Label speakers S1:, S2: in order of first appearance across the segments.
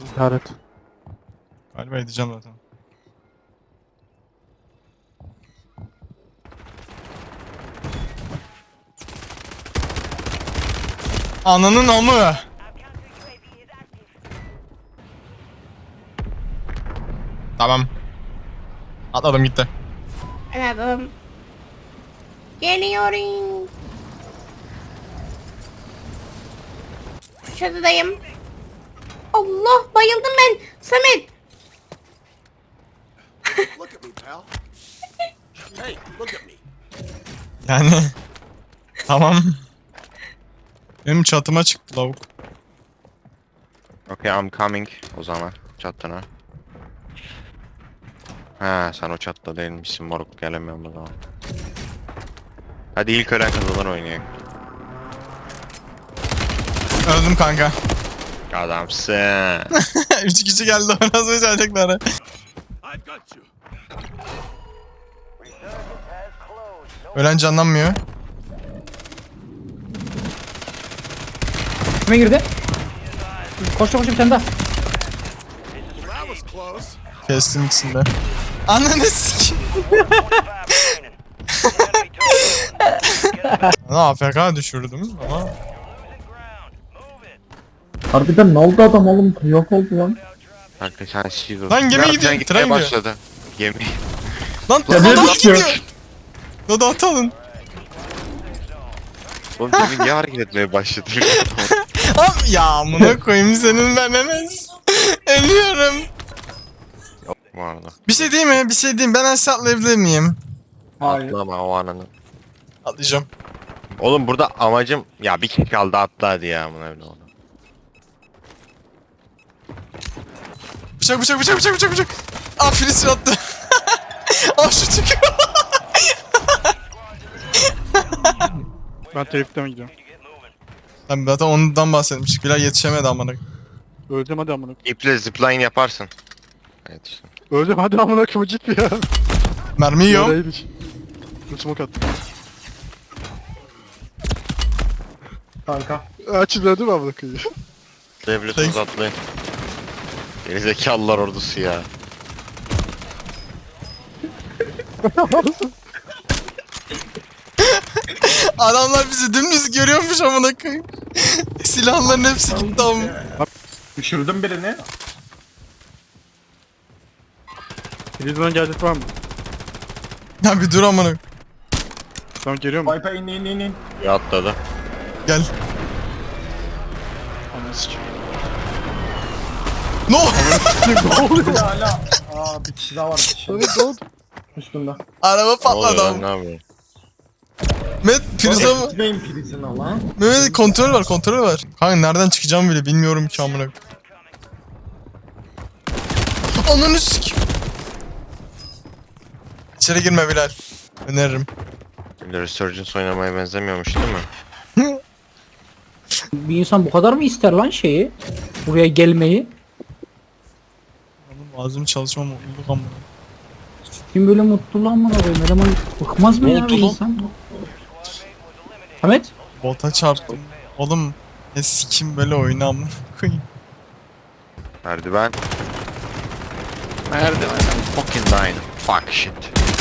S1: İşaret.
S2: Galiba edeceğim zaten. Ananın amı. Tamam. Atladım gitti.
S3: Anladım. Geliyorum. Şu çatıdayım. Allah, bayıldım ben. Samet.
S4: Look at me, pal. Hey, look at me.
S2: Yani. Tamam. Benim çatıma çıktı lavuk.
S5: Okay, I'm coming o zaman çatına. Ha, sen o çatta değilmişsin moruk, gelemiyorum o zaman. Hadi ilk ölen kazanan oynayalım.
S2: Öldüm kanka.
S5: Adamsın.
S2: 3 kişi geldi, nasıl becerecekler?
S4: I've got you.
S2: Ölen canlanmıyor.
S1: Kime girdi? Koş bir tane daha.
S4: That was close.
S2: Kestim ikisini de. Ananı sikeyim. AFK düşürdüm ama.
S6: Harbiden ne oldu adam oğlum? Yok oldu lan.
S5: Kanka sen shield.
S2: Lan gemi
S5: Ya,
S2: gidiyor,
S5: sen
S2: tren
S5: gitmeye
S2: gidiyor.
S5: başladı. Gemi.
S2: Lan
S6: Ya
S2: adam
S6: ne düşüyor?
S2: gidiyor. Dodo atalım.
S5: Oğlum gemi niye hareket etmeye başladı?
S2: Abi ya amına koyayım senin ben Enes. Ölüyorum.
S5: Yok bu arada.
S2: Bir şey diyeyim mi? Bir şey diyeyim. Ben aşağı atlayabilir miyim?
S6: Hayır.
S5: Atlama o ananı.
S2: Atlayacağım.
S5: Oğlum burada amacım ya bir kişi kaldı, atla hadi ya bunu öyle oldu.
S2: Bıçak bıçak bıçak bıçak bıçak bıçak. Aa Filistin attı. Aa şu çıkıyor.
S1: Ben telifte mi gidiyorum?
S2: Ben zaten ondan bahsetmiştik. Bilal yetişemedi amına.
S1: Öleceğim hadi amına.
S5: İple zipline yaparsın. Evet işte.
S1: Öleceğim hadi amına koyayım, git ya.
S2: Mermi yiyorum.
S1: Yaraymış. Dur smoke attım.
S6: Kanka.
S1: Açılıyor değil mi amına koyayım?
S5: Devletiniz atlayın. Gerizekalılar ordusu ya.
S2: Adamlar bizi dümdüz görüyormuş amına koyayım. Silahların hepsi gitti ama.
S6: Düşürdüm birini.
S1: Prizden gelecek var mı?
S2: Ya bir dur amına.
S1: Tamam, geliyor mu?
S6: Viper in.
S5: Ya atladı.
S2: Gel.
S1: Ananı sikeyim.
S2: No.
S6: Hala. Aa bir kişi daha var. Bir kişi.
S1: Ne oldu?
S6: Üstünde.
S2: Araba
S5: Ne
S2: patladı
S5: oluyor lan,
S2: ama.
S5: ne yapıyorsun?
S2: Mehmet prize mı?
S6: Gitmeyin prizine lan.
S2: Mehmet kontrol var kontrol var. Kanka nereden çıkacağım bile bilmiyorum ki amına. Ananı sik. İçeri girme Bilal. Öneririm.
S5: Şimdi Resurgence oynamaya benzemiyormuş değil mi?
S7: Bir insan bu kadar mı ister lan şeyi? Buraya gelmeyi?
S2: Oğlum ağzım çalışma mutluluk amına.
S7: Kim böyle mutlu lan bana koyayım? Eleman bıkmaz mı
S2: Ne
S7: ya
S2: oldu
S7: bir
S2: lan?
S7: insan? Ahmet?
S2: Bota çarptım. Oğlum ne sikim böyle oyunu amına koyayım.
S5: Merdiven. Merdiven. Fucking dying. Fuck shit.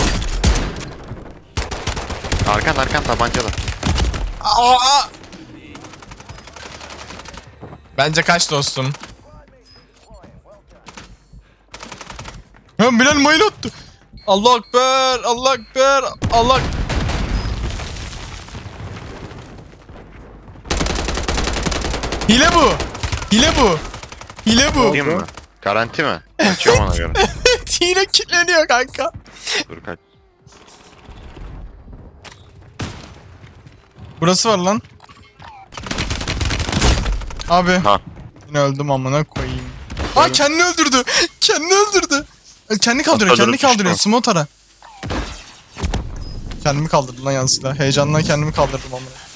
S5: Arkan tabancalı.
S2: Aa! Bence kaç dostum. Ya Bilal mayın attı. Allah ekber, Allah ekber, Allah. Hile bu. Hile bu. Hile bu.
S5: Değil mi? Garanti mi? Açıyorum ona göre.
S2: Hile kilitleniyor kanka.
S5: Dur kaç.
S2: Burası var lan. Abi.
S5: Ha.
S2: Yine öldüm amına koyayım. Aa kendini öldürdü. Kendini öldürdü. Kendi kaldırıyor,
S5: Atladırıp
S2: kendi kaldırıyor.
S5: düştü.
S2: Smotara. Kendimi kaldırdım lan yanlışlıkla. Heyecandan kendimi kaldırdım amına.